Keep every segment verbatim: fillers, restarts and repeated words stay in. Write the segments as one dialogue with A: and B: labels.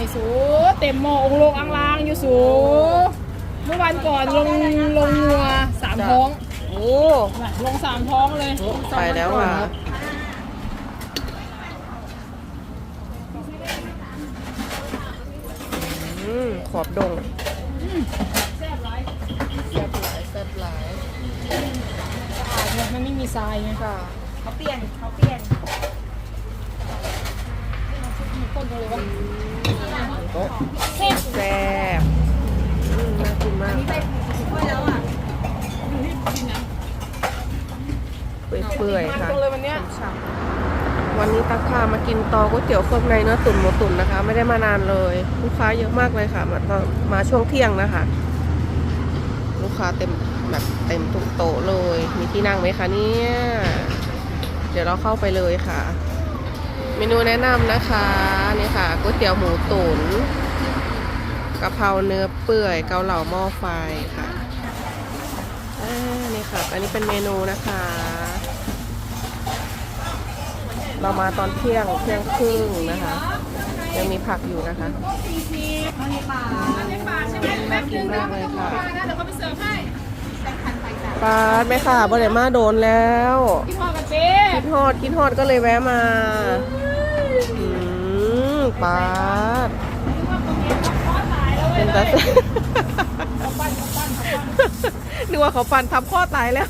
A: สูเต็มหม้อองค์ลงอังลางอยู่สูเมื่อวันก่อนลงลงงัวสามท้องโอ้ลงสามท้องเลย
B: ไปแล้วค่ะขอบดง
A: แซ่บหลาย
B: แซ่บหลายแซ่บหลาย
A: สะอาดเนี่ยมันไม่มีทรายไงค่ะ
C: เขาเปลี่ยนเขาเปลี่ยน
A: ต้นกันเลยวะ
B: แซ่บแซ่บน่ากินมาก
C: แล้วอ่ะ
B: เปื่อยๆค่ะ
A: เลยวันเนี้ย
B: วันนี้ตักพามากินตอก๋วยเตี๋ยวเครื่องในเนื้อตุ๋นหมูตุ๋นนะคะ ไม่ได้มานานเลยลูกค้าเยอะมากเลยค่ะมามาช่วงเที่ยงนะคะลูกค้าเต็มแบบเต็มทุกโต๊ะเลยมีที่นั่งไหมคะเนี่ยเดี๋ยวเราเข้าไปเลยค่ะเมนูแนะนำนะคะนี่ค่ะก๋วยเตี๋ยวหมูตุ๋นกะเพราเนื้อเปื่อยเกาเหลาหม้อไฟค่ะนี่ค่ะอันนี้เป็นเมนูนะคะเรามาตอนเที่ยงเที่ยงครึ่งนะคะยังมีผักอยู่นะคะน่ากินมากเลยค่ะปลาไหมค่ะบริมาโดนแล้วคิดฮอดกันเป๊ะคิดฮอดคิดฮอดก็เลยแวะมาอืมปลาเป็นตานึกว่าเขาปั่นทับข้อตายแล้ว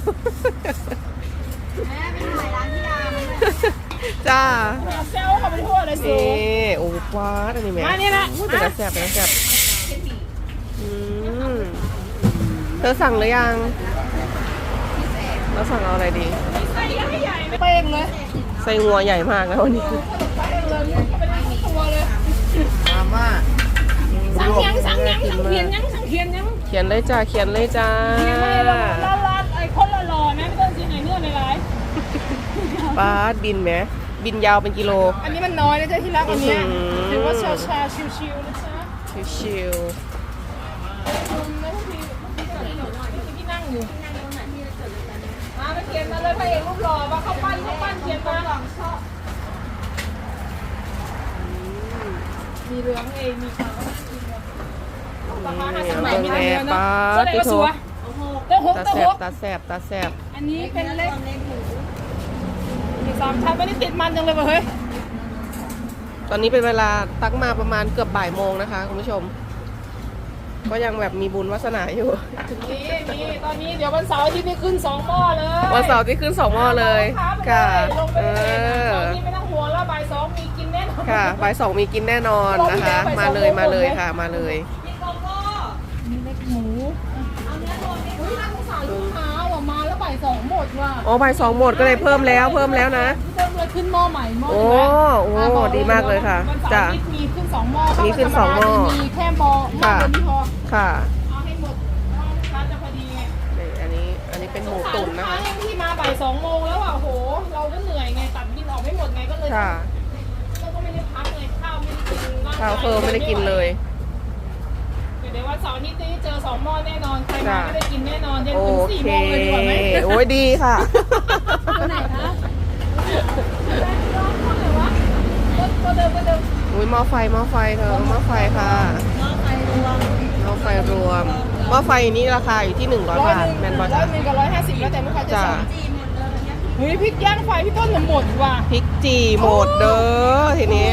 B: จ้า
A: เซลเขาเป็นทั่วเลยสิ
B: โอ้ปลาอันนี้แม่
A: มานี่นะ
B: เป็นตาแซ่บเป็นตาแซ่บอืมเธอสั่งหรือยังเราสั่งเอาอะไรดี
A: ใส่ใหญ่ไม่เป้งเลย
B: ใส่งัวใหญ่มากนะวันนี้
A: เป้งเลยเป็นตัวเลย
B: มาม่า
A: สั่งยังสั่งยังสั่งเขียนยังสั่งเขียนยัง
B: เขียนเลยจ้าเขียนเลยจ้า
A: ละละไอ้คนละหล่อนะไม่ต้องซีไหนเนื้อในร้าย
B: ปลาบินไหมบินยาวเป็นกิโล
A: อันนี้มันน้อยนะจ๊ะที่รักอันนี้ถือว่าชาชาชิวๆนะจ๊ะ
B: ชิว
A: ที่นั่งอยู่มาไปเขียนมาเลยพระเอกรูปหล่อมาเข้าปั้นเข้าปั้นเขียนมามีเรื่องเองมีเขาราคาห้าสิบใหม่มีเรื่องนะก็ได้ก็สัวตาหกตาหก
B: ตาแสบตาแสบ
A: อันนี้เป็นเล็กมีสามชั้นไม่ได้ติดมันจังเลยว่ะเฮ้ย
B: ตอนนี้เป็นเวลาตักมาประมาณเกือบบ่ายโมงนะคะคุณผู้ชมก็ยังแบบมีบุญวาสนาอยู่
A: นี่นี่ตอนนี้เดี๋ยววันเสาร์ที่นี่ขึ้นสองหม้อเลย
B: วันเสาร์ที่ขึ้นสองหม้อเลยค่ะเออ
A: ตอนนี้ไม่ต้องห่วงแล้วบ่ายสองมีกินแน่นอน
B: ค่ะบ่ายสองมีกินแน่นอนนะคะมาเลยมาเลยค่ะมาเลย
A: มีเล็กหมูเอาเนื้อโดนอุ้ยน่าสงสารลูกค้าว่ะมาแล้วบ่ายสองหมดว่ะ
B: อ๋อบ่ายสองหมดก็เลยเพิ่มแล้วเพิ่มแล้วนะ
A: เพิ่มเลยขึ้นหม้อใหม่หม้อ
B: โอ้โอ้ดีมากเลยค่ะ
A: จ้ะมีขึ้นสองหม้อ
B: มีขึ้นสองหม้อ
A: มีแค่หม้อหม้อเดียวที่พอ
B: ค่ะ
A: เอาให้หมดร้านจะพอดีไง
B: อันนี้อันนี้เป็นหมูตุ๋นนะคะ
A: ที่มาบ่ายสองโมงแล้วอ่ะโหเราก็เหนื่อยไงตัดบินออกไม่หมดไงก็เลย
B: ค่ะ
A: เราก็ไม่ได้พักเลยข้าวไม่ได้กิน
B: ข้าวเพิ่มไม่ได้กินเลย
A: เดี๋ยววันเสาร์นี้เจอสองหม้อแน่นอนใครมาไม่ได้กินแน่นอนเย็นถึงสี่โมงเลยดีกว่าไหม
B: โอ้ยดีค่ะ
A: ไหนคะก็เดิมก็เดิม
B: อุ้ยหม้อไฟหม้อไฟเธอหม้อไฟค่ะ
C: หม้อไฟรวม
B: หม้อไฟรวมหม้อไฟนี้ราคาอยู่ที่หนึ่งร้อยบาทแมนบอล
A: ร้อยหนึ่งกับร้อยห้าสิบแล้วแต่ลูกค้าจะสั่งเฮ้ยพริกย่างไฟพี่ต้นหมดว่ะ
B: พริกจีหมดเด้อทีนี้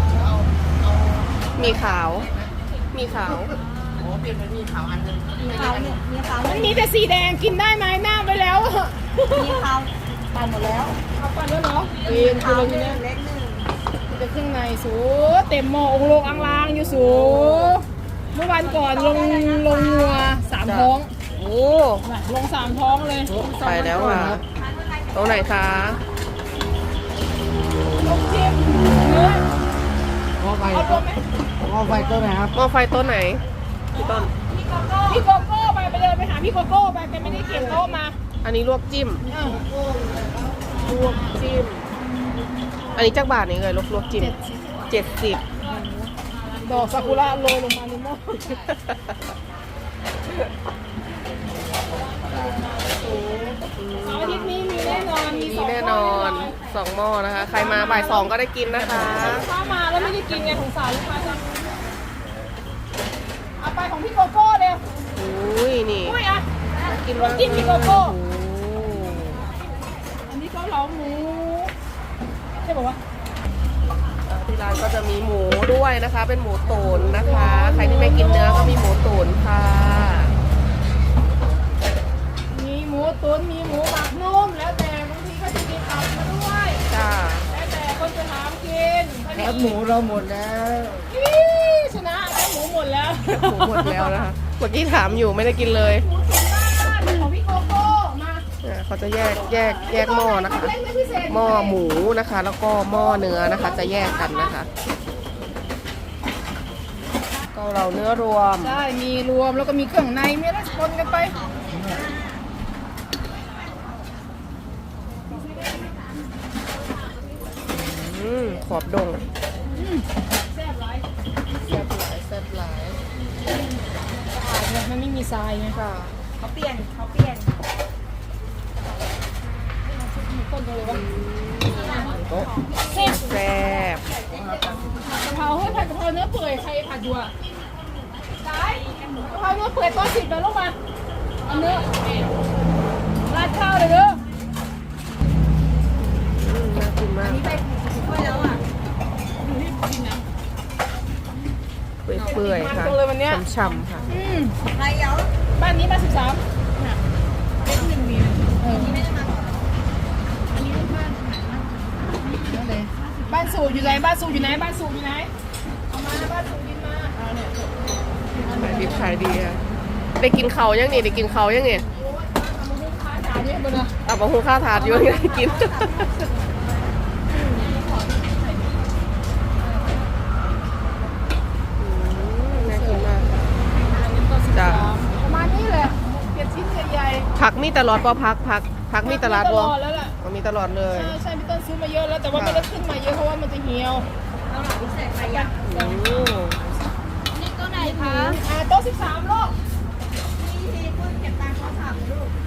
B: มีขาวมีขาวโอ้เปลี่ยนเป็นมีขาวอันนึง
C: มีขาวเนี่ยมีขาว
A: มันมีแต่สีแดงกินได้ไหมหน้าไปแล้ว
C: มีขาวปั่นหมดแล้ว
A: เอาปั่นแล้วเนาะกินคือเราทีนี้
C: เล็กหนึ่ง
A: จะเครื่องในสูเต็มหม้อองค์ลงอังลางอยู่สูเมื่อวันก่อนลงลงงัวสามท้อง
B: โอ้
A: ลงสามท้องเลย
B: ไปแล้วค่ะตรงไหนคะ
A: ลงจิ้มเนื้อ
D: หม้อไฟหม้อไฟต้นไหนครับ
B: หม้อไฟต้นไหนพี่ต้น
A: พี่โกโก้ไปไปเดินไปหาพี่โกโก้ไปแกไม่ได้เขียนโต๊ะมา
B: อันนี้ลวกจิ้มลวกจิ้มอันนี้จักบาทนี่เลยลวกลวกจิ้มเจ็ดสิบ
A: ดอกซากุระโรยลงมาในหม้อเสาร์อาทิตย์นี้มีแน่นอนมี
B: แน่นอนสองหม้อนะคะใครมาบ่ายสองก็ได้กินนะคะ
A: ถ้ามาแล้วไม่ได้กินไงสงสารลูกค้าจังของพี่โกโก้เร็ว
B: อุ้ยนี่
A: อุ้ยอ่ะ
B: กิน
A: ลองกินพี่โกโก้
B: โอ้
A: อันนี้เกาเหลาหมูใช่ป่าวะ
B: ที่ร้านก็จะมีหมูด้วยนะคะ เป็นหมูตุ๋นนะคะ ใครที่ไม่กินเนื้อก็มีหมูตุ๋นค่ะ
A: มีหมูตุ๋นมีหมูหมักนุ่มแล้วแต่บางทีก็จะมีตับมาด้วย
B: จ้า
A: แล้วแต่คนจะถามกิน
D: แคบหมูเราหมดแล้ว
A: อี้ชนะแค่หมูหมดแล้ว
B: หมูหมดแล้วนะคะ เมื่อกี้ถามอยู่ไม่ได้กินเลย
A: หมูตุ๋นบ้านๆของพี่โกโก้มา
B: เนี่ยเขาจะแยกแยกแยกหม้อนะคะ
A: เล็กไม่พิเศษ
B: หม้อหมูนะคะ แล้วก็หม้อเนื้อนะคะ จะแยกกันนะคะเกาเหลาเนื้อรวม
A: ใช่มีรวมแล้วก็มีเครื่องในมีอะไรปนกันไป
B: อืมขอบดง
A: แซ่บหลาย
B: แซ่บหลายแซ่บหลาย
A: สะอาดเนี่ยมันไม่มีทรายไง
B: ค่ะ
C: เขาเปลี่ยนเขาเปลี่ยน
A: ต้นเลยวะ
B: โต๊ะ
A: เซ็บ
B: แซ่บ
A: กะเพราเฮ้ยผัดกะเพราเนื้อเปื่อยใครผัดอยู่อ่ะสายกะเพราเนื้อเปื่อยตัวสิบแล้วลงมาเอาเนื้อราดข้าวเลยเด้อ
B: อืมน่ากินมาก
C: นี่ไปถ้วยแล้วอ่ะ
B: เปื่อยๆค่ะช่ำๆค่ะ
A: อืม
C: ไรเย้า
A: บ้านนี้บ้านสิบสามเล็กหนึ่งมีเออ
C: ไม่ได้มาก่อน
A: นั่นเลยบ้านสูบอยู่ไหนบ้านสูบอยู่ไหนบ้านสูบอยู่ไหนเอามาบ้านสูบยินมาเอาเนี่ย
B: ขายดีขายดีอะได้กินเขาวยังนี่ได้กินเขาวยังนี่
A: เอามาหุ้มค้าจ่ายเนี่ยบนเลย
B: อ่ะบอกหุงข้าวถาดอยู่ยังได้กินอืมน่ากินมาก จ้ะ
A: ประมาณนี้แหละเปลี่ยนชิ้นใหญ่
B: ผักมีตลอดปอพักผักผัก
A: ๆ
B: มีตลาด
A: ต
B: บ่
A: ลอดแล้วล่ะ
B: มันมีตลอดเลย
A: ใช่ใช่พี่ต้นซื้อมาเยอะแล้วแต่ว่าไม่ได้ขึ้นมาเยอะเพราะว่ามันจะเหี่ยว
C: เอาหลังพิเศษใครอยาก
B: อืม
C: นี่ก็ไหนคะ
A: อ่าโต๊ะสิบสามโลก
C: พี่ทีพูดเก็บตังค์เขาถามลูก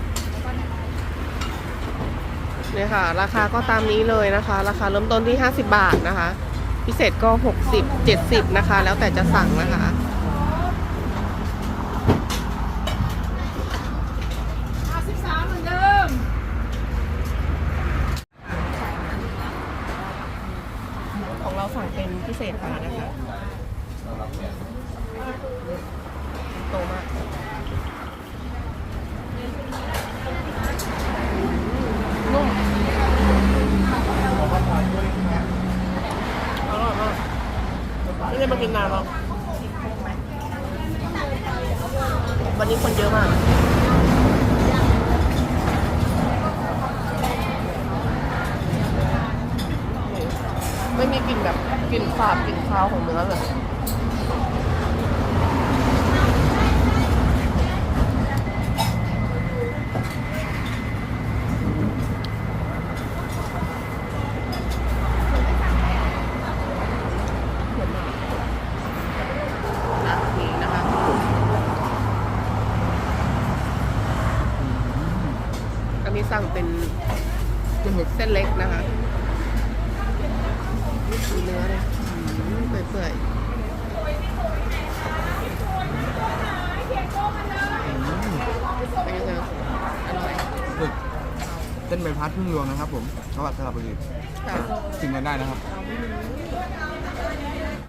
B: เนี่ยค่ะ ราคาก็ตามนี้เลยนะคะ ราคาเริ่มต้นที่ห้าสิบบาทนะคะ พิเศษก็หกสิบ เจ็ดสิบนะคะ แล้วแต่จะสั่งนะคะ
A: อ่าสิบสามเหมือนเดิม
B: ของเราสั่งเป็นพิเศษมานะคะโตมากนุ่มอร่อยมากไม่ได้มากินนานแล้ววันนี้คนเยอะมากไม่มีกลิ่นแบบกลิ่นสาบกลิ่นคาวของเนื้อเลยนะนี่นะคะอันนี้สั่งเป็นเส้นเล็กนะคะดูเนื้อเลยอืมเปื่อยๆเป็นไงคะอร่อย
D: ฝึกเส้นใบพัดพึ่งรวมนะครับผมจังหวัดสระบุรี
B: ค่ะ
D: ชิมกันได้นะครับ